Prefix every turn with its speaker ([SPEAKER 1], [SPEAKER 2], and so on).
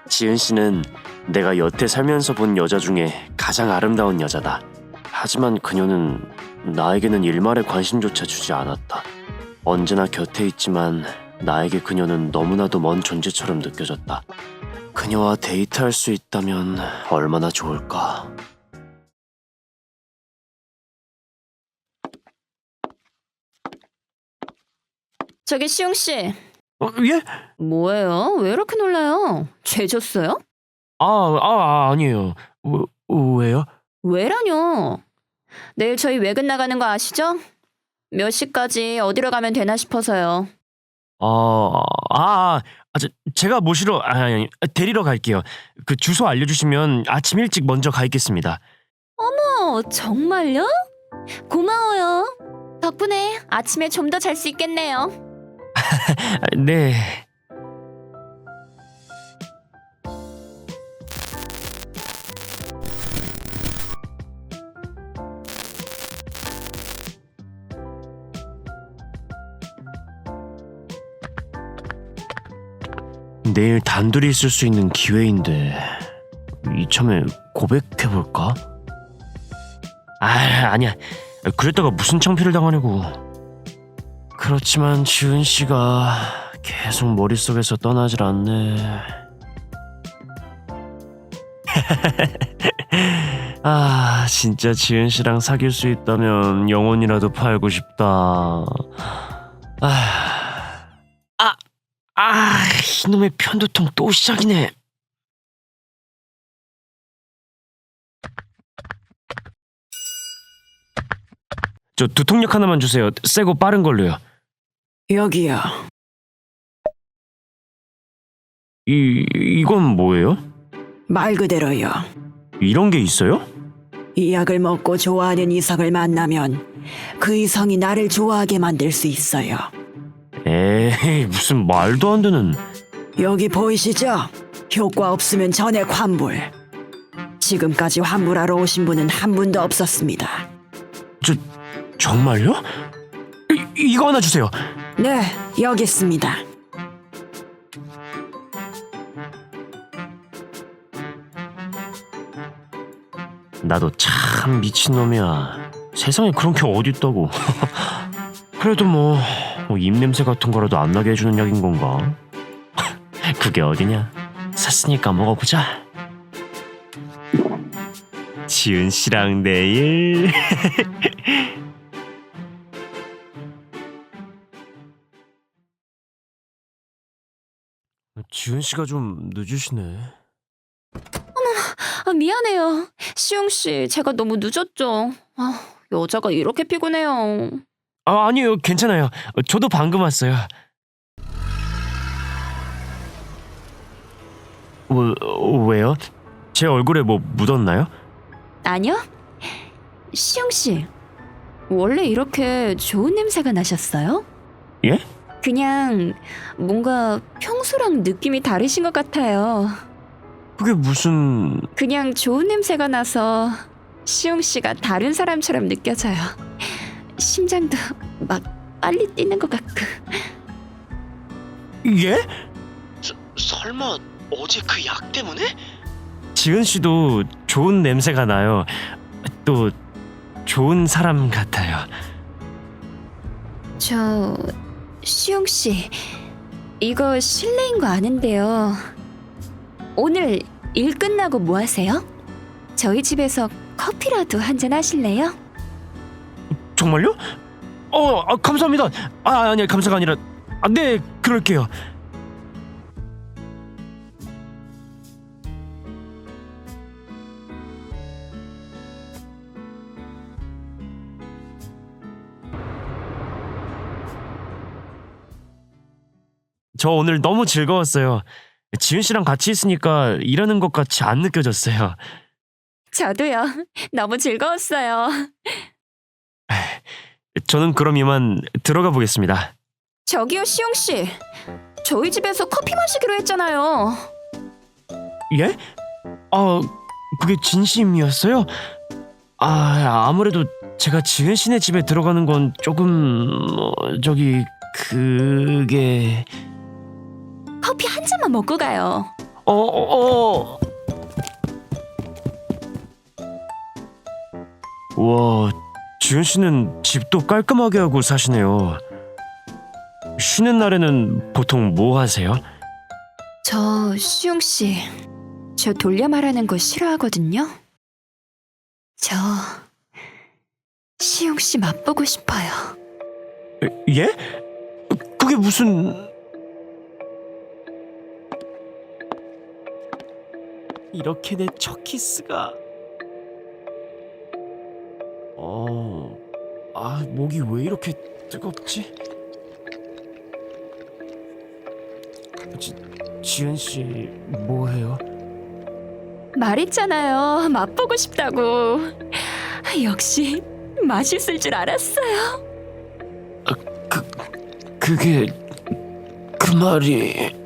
[SPEAKER 1] 지은 씨는 내가 여태 살면서 본 여자 중에 가장 아름다운 여자다. 하지만 그녀는 나에게는 일말의 관심조차 주지 않았다. 언제나 곁에 있지만 나에게 그녀는 너무나도 먼 존재처럼 느껴졌다. 그녀와 데이트할 수 있다면 얼마나 좋을까.
[SPEAKER 2] 저기 시용 씨,
[SPEAKER 1] 예?
[SPEAKER 2] 뭐예요? 왜 이렇게 놀라요? 죄 졌어요?
[SPEAKER 1] 아니에요. 왜요?
[SPEAKER 2] 왜라뇨? 내일 저희 외근 나가는 거 아시죠? 몇 시까지 어디로 가면 되나 싶어서요.
[SPEAKER 1] 제가 모시러, 데리러 갈게요. 그 주소 알려주시면 아침 일찍 먼저 가 있겠습니다.
[SPEAKER 2] 정말요? 고마워요. 덕분에 아침에 좀 더 잘 수 있겠네요.
[SPEAKER 1] 네. 내일 단둘이 있을 수 있는 기회인데 이참에 고백해볼까? 아니야. 그랬다가 무슨 창피를 당하냐고. 그렇지만 지은 씨가 계속 머릿속에서 떠나질 않네. 진짜 지은 씨랑 사귈 수 있다면 영혼이라도 팔고 싶다. 이놈의 편두통 또 시작이네. 저 두통약 하나만 주세요. 세고 빠른 걸로요.
[SPEAKER 3] 여기요.
[SPEAKER 1] 이건 뭐예요?
[SPEAKER 3] 말 그대로요.
[SPEAKER 1] 이런 게 있어요?
[SPEAKER 3] 이 약을 먹고 좋아하는 이성을 만나면 그 이성이 나를 좋아하게 만들 수 있어요.
[SPEAKER 1] 에이, 무슨 말도 안 되는.
[SPEAKER 3] 여기 보이시죠? 효과 없으면 전액 환불. 지금까지 환불하러 오신 분은 한 분도 없었습니다.
[SPEAKER 1] 정말요? 이거 하나 주세요.
[SPEAKER 3] 네, 여기 있습니다.
[SPEAKER 1] 나도 참 미친놈이야. 세상에 그런 게 어딨다고. 그래도 뭐 입냄새 같은 거라도 안 나게 해주는 약인 건가? 그게 어디냐? 샀으니까 먹어보자. 지은 씨랑 내일. 지은 씨가 좀 늦으시네.
[SPEAKER 2] 미안해요. 시용 씨, 제가 너무 늦었죠. 여자가 이렇게 피곤해요.
[SPEAKER 1] 아니에요, 괜찮아요. 저도 방금 왔어요. 왜요? 제 얼굴에 뭐 묻었나요?
[SPEAKER 2] 아니요? 시용 씨, 원래 이렇게 좋은 냄새가 나셨어요?
[SPEAKER 1] 예?
[SPEAKER 2] 그냥 뭔가 평소랑 느낌이 다르신 것 같아요.
[SPEAKER 1] 그게 무슨...
[SPEAKER 2] 그냥 좋은 냄새가 나서 시용 씨가 다른 사람처럼 느껴져요. 심장도 막 빨리 뛰는 것 같고.
[SPEAKER 1] 예? 설마 어제 그 약 때문에? 지은 씨도 좋은 냄새가 나요. 또 좋은 사람 같아요.
[SPEAKER 2] 저... 시용 씨, 이거 실례인 거 아는데요. 오늘 일 끝나고 뭐 하세요? 저희 집에서 커피라도 한잔 하실래요?
[SPEAKER 1] 정말요? 감사합니다. 아니 감사가 아니라 네, 그럴게요. 저 오늘 너무 즐거웠어요. 지은 씨랑 같이 있으니까 일하는 것 같이 안 느껴졌어요.
[SPEAKER 2] 저도요. 너무 즐거웠어요.
[SPEAKER 1] 저는 그럼 이만 들어가 보겠습니다.
[SPEAKER 2] 저기요, 시용 씨. 저희 집에서 커피 마시기로 했잖아요.
[SPEAKER 1] 예? 그게 진심이었어요? 아무래도 제가 지은 씨네 집에 들어가는 건 조금... 그게...
[SPEAKER 2] 커피 한 잔만 먹고 가요.
[SPEAKER 1] 와, 지은 씨는 집도 깔끔하게 하고 사시네요. 쉬는 날에는 보통 뭐 하세요?
[SPEAKER 2] 저 시웅 씨, 저 돌려 말하는 거 싫어하거든요. 저 시웅 씨 맛보고 싶어요.
[SPEAKER 1] 예? 그게 무슨... 이렇게 내 첫 키스가... 목이 왜 이렇게 뜨겁지? 지은 씨 뭐해요?
[SPEAKER 2] 말했잖아요. 맛보고 싶다고. 역시 맛있을 줄 알았어요.
[SPEAKER 1] 그게... 그 말이...